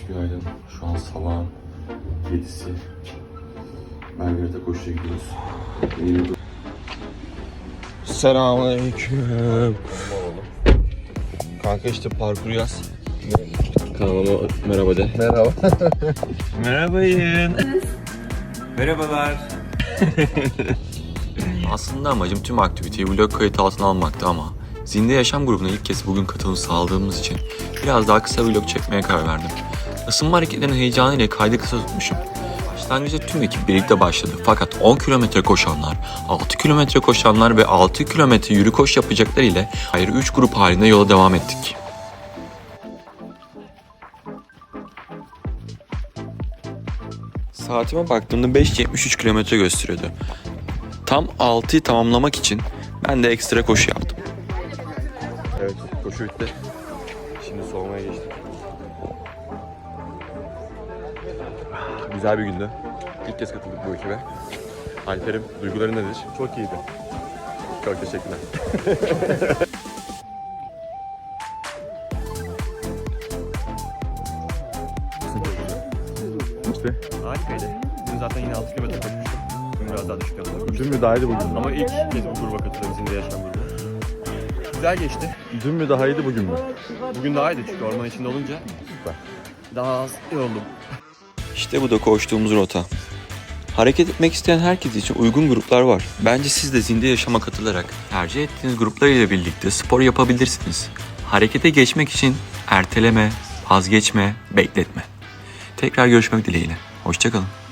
Günaydın. Şu an sabahın 7'si. Belgrad'a koşuya gidiyoruz. Selamünaleyküm. Kanka işte parkur yaz. Kanalıma merhaba de. Merhaba. Merhabayın. Merhabalar. Aslında amacım tüm aktiviteyi vlog kayıt altına almaktı ama Zinde Yaşam grubuna ilk kez bugün katılım sağladığımız için biraz daha kısa vlog çekmeye karar verdim. Isınma hareketlerinin heyecanıyla kaydı kısa tutmuşum. Başlangıçta tüm ekip birlikte başladı fakat 10 kilometre koşanlar, 6 kilometre koşanlar ve 6 kilometre yürü koş yapacaklar ile ayrı 3 grup halinde yola devam ettik. Saatime baktığımda 5.73 kilometre gösteriyordu. Tam 6'yı tamamlamak için ben de ekstra koşu yaptım. Evet, koşu bitti. Şimdi soğumaya geçtik. Güzel bir gündü. İlk kez katıldık bu ekibe. Alper'im, duyguların nedir? Çok iyiydi. Çok teşekkürler. İşte. Harikaydı. Dün zaten yine 6 kilometre koşmuştum. Bugün biraz daha düşük yaptım. Dün mü daha iyiydi bugün mü? Ama ilk kez bu gruba katılıyorum. Zinde Yaşam grubu. Güzel geçti. Dün mü daha iyiydi bugün mü? Bugün daha iyiydi çünkü orman içinde olunca Süper. daha az yoruldum. İşte bu da koştuğumuz rota. Hareket etmek isteyen herkes için uygun gruplar var. Bence siz de Zinde Yaşam'a katılarak tercih ettiğiniz gruplar ile birlikte spor yapabilirsiniz. Harekete geçmek için erteleme, vazgeçme, bekletme. Tekrar görüşmek dileğiyle. Hoşça kalın.